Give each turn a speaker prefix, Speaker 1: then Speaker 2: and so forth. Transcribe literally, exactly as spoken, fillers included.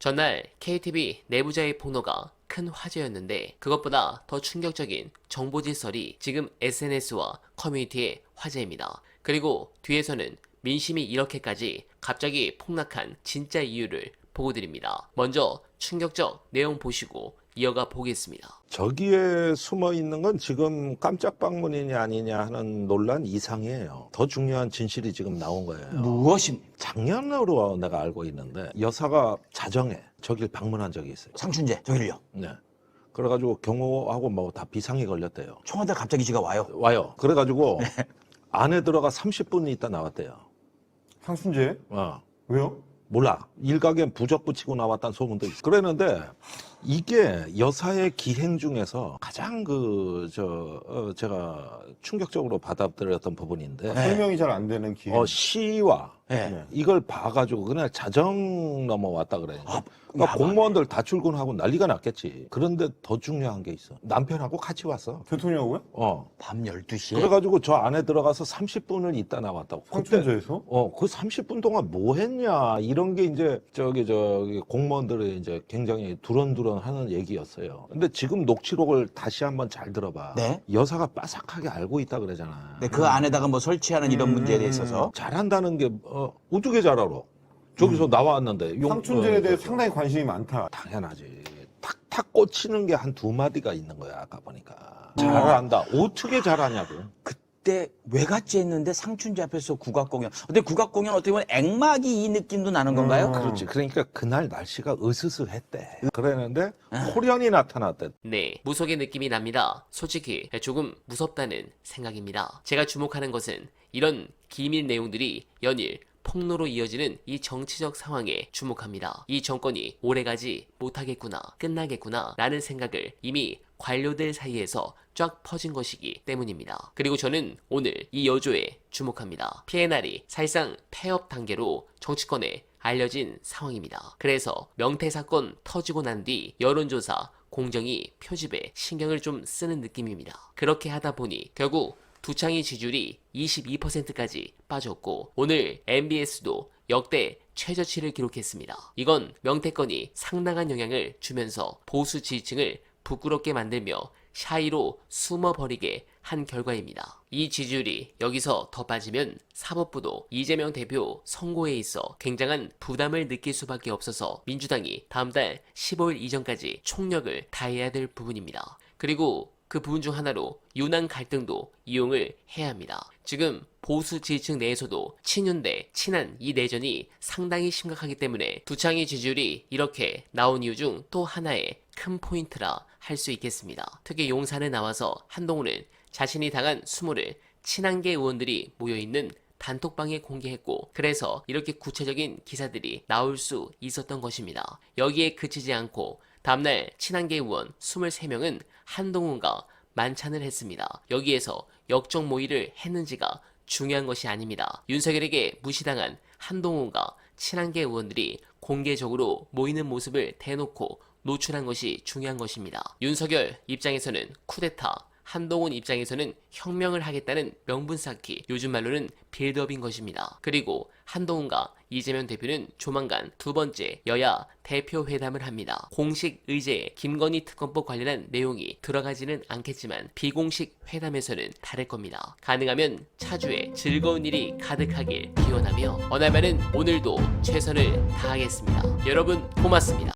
Speaker 1: 전날 케이티비 내부자의 폭로가 큰 화제였는데 그것보다 더 충격적인 정보질 썰이 지금 에스엔에스와 커뮤니티의 화제입니다. 그리고 뒤에서는 민심이 이렇게까지 갑자기 폭락한 진짜 이유를 보고 드립니다. 먼저 충격적 내용 보시고 이어가 보겠습니다.
Speaker 2: 저기에 숨어 있는 건 지금 깜짝 방문이냐 아니냐 하는 논란 이상이에요. 더 중요한 진실이 지금 나온 거예요.
Speaker 3: 무엇입니까?
Speaker 2: 작년으로 내가 알고 있는데 여사가 자정에 저길 방문한 적이 있어요.
Speaker 3: 상춘재 저길요.
Speaker 2: 네. 그래가지고 경호하고 뭐 다 비상이 걸렸대요.
Speaker 3: 청와대 갑자기 지가 와요.
Speaker 2: 와요. 그래가지고 안에 들어가 삼십 분 있다 나왔대요.
Speaker 4: 상춘재?
Speaker 2: 어.
Speaker 4: 왜요?
Speaker 2: 몰라. 일각엔 부적 붙이고 나왔다는 소문도 있어. 그랬는데 이게 여사의 기행 중에서 가장 그, 저, 어, 제가 충격적으로 받아들였던 부분인데.
Speaker 4: 설명이 잘 안 되는 기회.
Speaker 2: 어, 시와
Speaker 3: 네.
Speaker 2: 이걸 봐가지고 그날 자정 넘어왔다 그래.
Speaker 3: 아,
Speaker 2: 그러니까
Speaker 3: 야,
Speaker 2: 공무원들 다 출근하고 난리가 났겠지. 그런데 더 중요한 게 있어. 남편하고 같이 왔어.
Speaker 4: 대통령하고요?
Speaker 2: 어.
Speaker 3: 밤 열두 시에
Speaker 2: 그래가지고 저 안에 들어가서 삼십 분을 있다 나왔다고. 그때
Speaker 4: 상춘재에서?
Speaker 2: 어, 그 삼십 분 동안 뭐 했냐, 이런 게 이제, 저기, 저기, 공무원들이 이제 굉장히 두런두런 하는 얘기였어요. 근데 지금 녹취록을 다시 한번 잘 들어봐.
Speaker 3: 네.
Speaker 2: 여사가 빠삭하게 알고 있다 그러잖아.
Speaker 3: 네, 그 안에다가 뭐 설치하는 이런
Speaker 4: 음.
Speaker 3: 문제에 있어서
Speaker 2: 잘한다는 게, 어, 어떻게 잘 알아? 저기서 나왔는데. 용-
Speaker 4: 상춘재에
Speaker 2: 어,
Speaker 4: 대해
Speaker 2: 저- 저-
Speaker 4: 상당히 관심이 많다.
Speaker 2: 당연하지. 탁탁 꽂히는 게 한 두 마디가 있는 거야, 아까 보니까. 잘한다. 어떻게 잘하냐고.
Speaker 3: 그때 왜 갔지 했는데 상춘재 앞에서 국악공연. 근데 국악공연 어떻게 보면 액막이 이 느낌도 나는 건가요?
Speaker 4: 음.
Speaker 2: 그렇지. 그러니까 그날 날씨가 으스스했대. 그랬는데 호련이 나타났대.
Speaker 1: 네, 무속의 느낌이 납니다. 솔직히 조금 무섭다는 생각입니다. 제가 주목하는 것은 이런 기밀 내용들이 연일 폭로로 이어지는 이 정치적 상황에 주목합니다. 이 정권이 오래가지 못하겠구나, 끝나겠구나 라는 생각을 이미 관료들 사이에서 쫙 퍼진 것이기 때문입니다. 그리고 저는 오늘 이 여조에 주목합니다. 피엔알이 사실상 폐업 단계로 정치권에 알려진 상황입니다. 그래서 명태 사건 터지고 난 뒤 여론조사 공정위 표집에 신경을 좀 쓰는 느낌입니다. 그렇게 하다 보니 결국 두창의 지지율이 이십이 퍼센트까지 빠졌고 오늘 엠비에스도 역대 최저치를 기록했습니다. 이건 명태권이 상당한 영향을 주면서 보수 지지층을 부끄럽게 만들며 샤이로 숨어버리게 한 결과입니다. 이 지지율이 여기서 더 빠지면 사법부도 이재명 대표 선고에 있어 굉장한 부담을 느낄 수밖에 없어서 민주당이 다음 달 십오일 이전까지 총력을 다해야 될 부분입니다. 그리고 그 부분 중 하나로 윤한 갈등도 이용을 해야 합니다. 지금 보수 지지층 내에서도 친윤 대 친한 이 내전이 상당히 심각하기 때문에 두창의 지지율이 이렇게 나온 이유 중 또 하나의 큰 포인트라 할 수 있겠습니다. 특히 용산에 나와서 한동훈은 자신이 당한 수모를 친한계 의원들이 모여있는 단톡방에 공개했고 그래서 이렇게 구체적인 기사들이 나올 수 있었던 것입니다. 여기에 그치지 않고 다음날 친한계 의원 이십삼 명은 한동훈과 만찬을 했습니다. 여기에서 역적 모의를 했는지가 중요한 것이 아닙니다. 윤석열에게 무시당한 한동훈과 친한계 의원들이 공개적으로 모이는 모습을 대놓고 노출한 것이 중요한 것입니다. 윤석열 입장에서는 쿠데타, 한동훈 입장에서는 혁명을 하겠다는 명분 쌓기, 요즘 말로는 빌드업인 것입니다. 그리고 한동훈과 이재명 대표는 조만간 두 번째 여야 대표 회담을 합니다. 공식 의제에 김건희 특검법 관련한 내용이 들어가지는 않겠지만 비공식 회담에서는 다를 겁니다. 가능하면 차주에 즐거운 일이 가득하길 기원하며 어날만은 오늘도 최선을 다하겠습니다. 여러분 고맙습니다.